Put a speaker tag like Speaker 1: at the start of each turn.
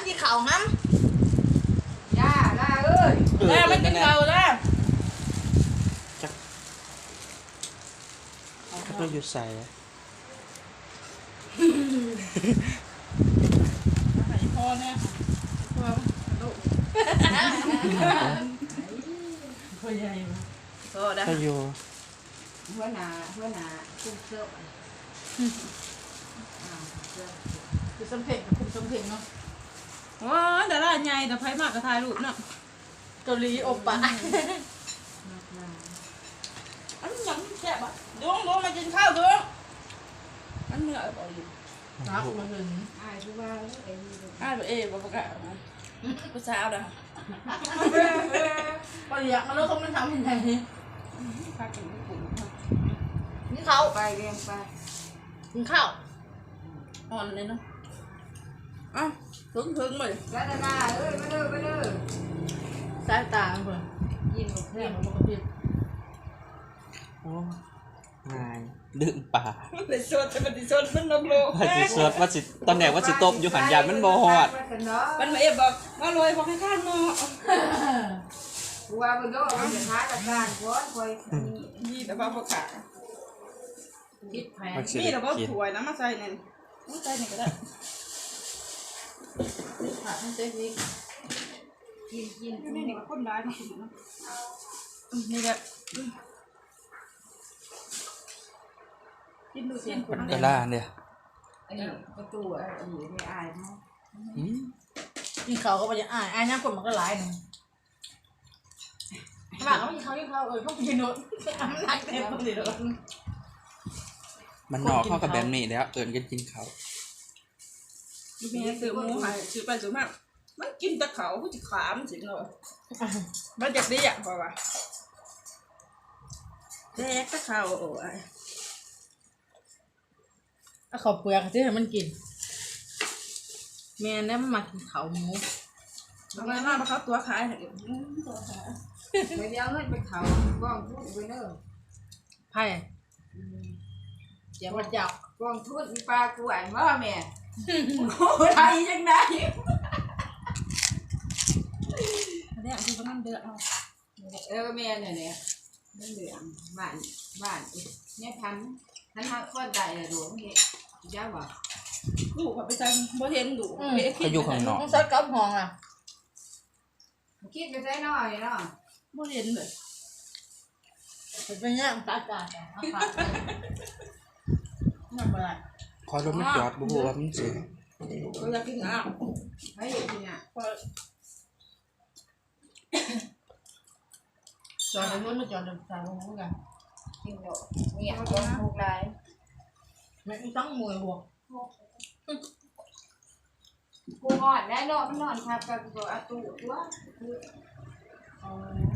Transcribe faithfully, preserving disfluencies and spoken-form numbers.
Speaker 1: ที่เขางั้ม
Speaker 2: ย่าล่าเอ้ย
Speaker 1: แล้วไม่กินเขาแล้ว
Speaker 3: จักจักเราอยู่ใส่
Speaker 1: ไข่พอเนี่ยพอลูกพอใหญ่พอได้
Speaker 3: ถ้าอยู่
Speaker 2: หัวหน้าหัวหน้าคุ้มเสื้อ
Speaker 1: คือสมเพลกับคุณสมเพลเนาะว้าแต่ละใหญ่แต่ไพ่มากกระทายรูปเนาะเกาหลีอบปะอันนี้ยังแซ่บอ่ะดวงดวงมากินข้าวดวงอันเนื้อบ่อยู่น้ำมันเงิน
Speaker 2: อายผู้ว่าเอ้ย
Speaker 1: อ้าวเอ๋บ่ประกาศนะผู้สาวนะปอยากมาแล้วเขาไม่ทำยังไงพากินญี่ปุ่นนี่เขา
Speaker 2: ไปเรียนไป
Speaker 1: กินข้าวอ่อนเลยเนาะอ้าวถึงถึงเลย
Speaker 2: ล่าล่าเอ้ยมาเด้อมาเด้อ
Speaker 1: สายตาเพื่อน
Speaker 2: ยินหมด
Speaker 1: เนี่
Speaker 2: เนี่ย ย
Speaker 1: มันก็ผิด
Speaker 3: โอ้ง่ายลืมป่า
Speaker 1: มันเป็นส่วนแต่มันเป็นส่วนมันลงโล
Speaker 3: ว่าสิสวดว่าสิตอนแรกว่าสิตบอยู่หันยานมันบ่ฮอด
Speaker 1: มันมาเอฟบอกว่าลอยบอกให้ข้างเนาะ
Speaker 2: ผู้ว่าบ่โดนมันจะท้ากับการก้อนคอย
Speaker 1: นี่แต่ว่าประกาศ
Speaker 2: คิดแผน
Speaker 1: นี่แต่ว่าถวยน้ำมาใส่เนี่ยมาใส่เนี่ยก็ได้ผัดให้เจ๊นี่
Speaker 2: กินกิน
Speaker 1: นี่นี่ก็คนร้ายมาถึงนี่แหละกินดูเสียงคน
Speaker 3: มันก็ล่าเนี่ย
Speaker 2: อันนี้ประตูอันนี้ไม่อายเนาะ
Speaker 1: กินเขาก็ไปจะอ่านอ่านน้ำคนมันก็ร้ายหนึ่งหลังเขากินเขากินเขาเออเขากินโน้ตอ่านหนักเต็มเลยเลย
Speaker 3: มันนอกเข้ากับแบบนี้แล้วเอิญกันกินเขา
Speaker 1: มีแม่ซื้อหมูหายซื้อไปซื้อมามันกินแต่เขาก็จะขามสิเนาะมันจะได้อย่างป่าวะแจ๊กแต่เขาโอ้ยเอาขอบเปลือกที่ให้มันกินแม่เนี่ยมันมากินเขาหมูเอาไปมาเพราะเขาตัวขายเหรอตัวขาย
Speaker 2: ไปเลี้ยงเงินไปเขากองทุนไปเด้อ
Speaker 1: ไผ่เดี๋ยวมันจับ
Speaker 2: กองทุนมีปลากูอ่านว่าแม่โอ้ยไทยยังไง
Speaker 1: เนี่ยคือเขานั่งเดือดเอา
Speaker 2: เออแม่เนี่ยเนี่ยนั่นเหลืองบ้านบ้านเนี่ยทันทันทักคนใดเลยดูนี่เจ้าบอก
Speaker 1: ดูเขาไปใส่บ่เห็นดู
Speaker 3: เขาอยู่ข้างนอก
Speaker 1: ต้องซัดกับห้องอ่ะ
Speaker 2: คิดไปใส่หน่อยเนาะ
Speaker 1: บ่เห็นเลยเป็นเงี้ยตาจ่าแต่อาขาดนั่นอะไร
Speaker 3: คอยรถมันจอดบุบว่ามันเสีย
Speaker 1: เราอยากกินอ่ะ
Speaker 2: ไม่กินอ่ะ
Speaker 1: จอดในรถมาจอดในสายลงเหมือนกัน
Speaker 2: กินเยอะเนี่ยก็ถูกไร
Speaker 1: ไม่ต้องมวยหัว
Speaker 2: กูนอนได้นอนมันนอนทับกับตัวอาตูตัว
Speaker 1: อ๋อ